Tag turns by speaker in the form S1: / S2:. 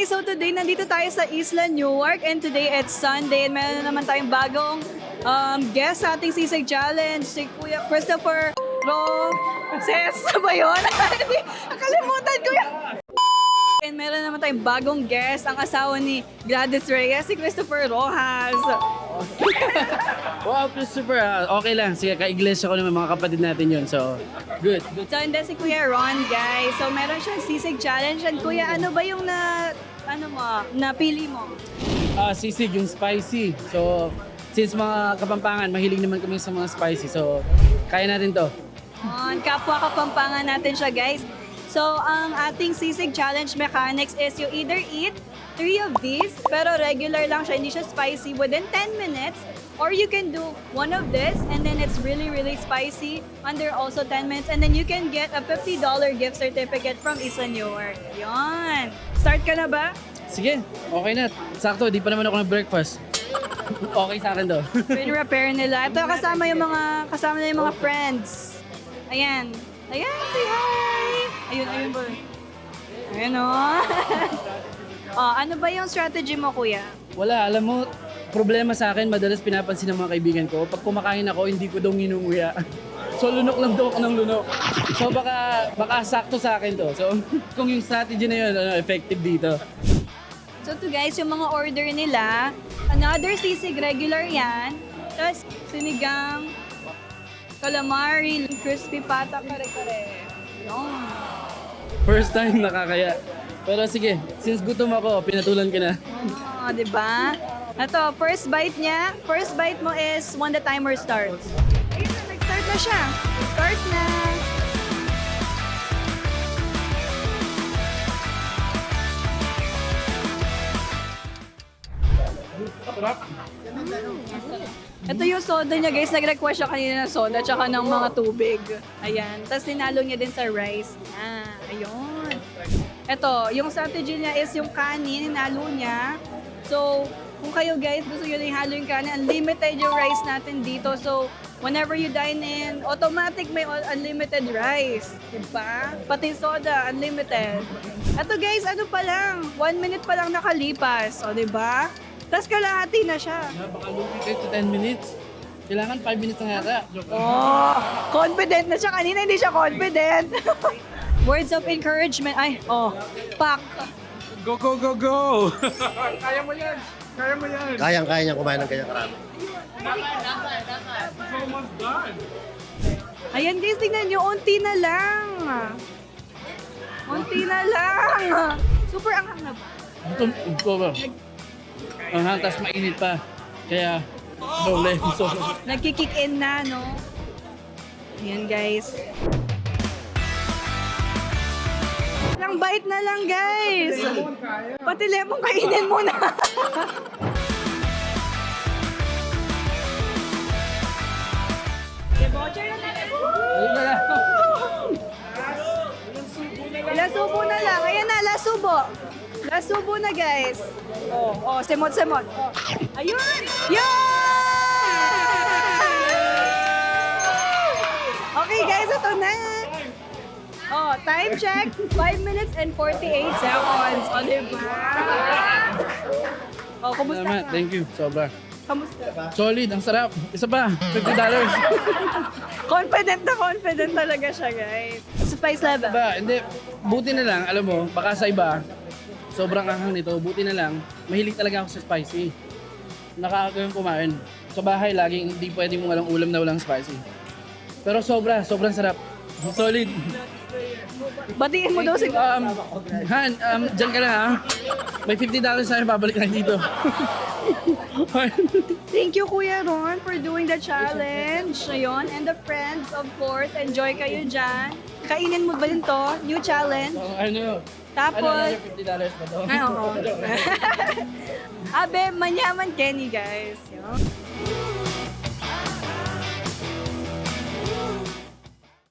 S1: guys, so today nandito tayo sa Isla Newark and today it's Sunday and meron na naman tayong bagong guest sa ating Sisig Challenge, si Kuya Christopher Ses ba yun? Hindi, nakalimutan ko yun. And meron naman tayong bagong guest, ang asawa ni Gladys Reyes, si Christopher Rojas.
S2: Wow, Christopher, okay lang. Sige, ka-iglesia ko naman mga kapatid natin yun. So, good.
S1: So, and then si Kuya Ron, guys. So, meron siyang Sisig Challenge. And Kuya, ano ba yung napili mo?
S2: Sisig, yung spicy. So, since mga Kapampangan, mahilig naman kami sa mga spicy. So, kaya natin to.
S1: Kapwa Kapampangan natin siya, guys. So, ang ating Sisig Challenge mechanics is you either eat 3 of these, pero regular lang siya, hindi siya spicy, within 10 minutes. Or you can do 1 of this, and then it's really, really spicy, under also 10 minutes. And then you can get a $50 gift certificate from Isla Newark. Yun! Start ka na ba?
S2: Sige, okay na. Sakto, di pa naman ako ng-breakfast. Okay sa akin to.
S1: Pin-repair nila. Ito, kasama na yung mga friends. Ayan. Ayan, say hi! Ayun ba? Ayun o. Ano ba yung strategy mo, Kuya?
S2: Wala, alam mo, problema sa akin, madalas pinapansin ng mga kaibigan ko, pag kumakain ako, hindi ko daw nginunguya. So, lunok lang daw ako ng lunok. So, baka sakto sa akin to. So, kung yung strategy na yun, effective dito.
S1: So, to guys, yung mga order nila, another sisig regular yan, tapos sinigang, calamari, crispy pata, kare-kare. Yun.
S2: First time nakakaya. Pero sige, since gutom ako, pinatulan ka na.
S1: Diba? Ito, first bite niya. First bite mo is when the timer starts. Ayun na, nag-start na siya. Start na. Ito yung soda niya, guys. Nag-request siya kanina ng soda tsaka ng mga tubig. Ayan. Tapos sinalo niya din sa rice niya. Ayun. Ito, yung strategy niya is yung kanin, hinalo niya. So, kung kayo guys gusto nyo na ihalo yung kanin, unlimited yung rice natin dito. So, whenever you dine in, automatic may unlimited rice. Diba? Pati soda, unlimited. Ito guys, ano pa lang, 1 minute pa lang nakalipas. O, diba? Tapos kalahati na siya.
S2: Baka lumipit to 10 minutes. Kailangan 5 minutes na yata.
S1: Oh, confident na siya. Kanina hindi siya confident. Words of encouragement. Ay, pak.
S3: Go, go, go, go! Kaya mo yan! Kaya mo yan!
S4: Kayang-kaya niya kumain ng kanyang karami.
S3: It's almost done!
S1: Ayan guys, tingnan nyo. Unti na lang. Unti na lang. Super anghang na ba?
S2: Gutom ko ba? Tapos mainit pa. Kaya, doble. So,
S1: Nagkikick in na, no? Ayan guys. Ilang bite na lang guys. Pati lemon kainin mo na.
S2: ayun na lang.
S1: Last subo na lang. Ayan na, last subo. Last subo na guys. Semot-semot. Ayun! Yun! Okay guys, ito na. Time check, 5 minutes and 48 seconds. Diba? Kumusta
S2: Salamat,
S1: ka?
S2: thank you. Sobra.
S1: Kamusta?
S2: Solid, ang sarap. Isa pa, $50.
S1: Confident talaga siya, guys. Spice level.
S2: Diba, hindi, buti na lang, alam mo, baka sa iba, sobrang anghang nito, buti na lang, mahilig talaga ako sa spicy. Nakakagawin kumain. Sa bahay, laging hindi pwede mong walang ulam na walang spicy. Pero sobrang sarap. Solid.
S1: Batiin mo daw si...
S2: Han, dyan ka na ha. May $50 sa'yo, babalik na dito.
S1: Thank you, Kuya Ron, for doing the challenge. Ayun, and the friends, of course. Enjoy kayo dyan. Kainin mo ba din to? New challenge. Tapos...
S2: $50 pa to?
S1: Oo. Abe, manyaman Kenny, guys. Yun.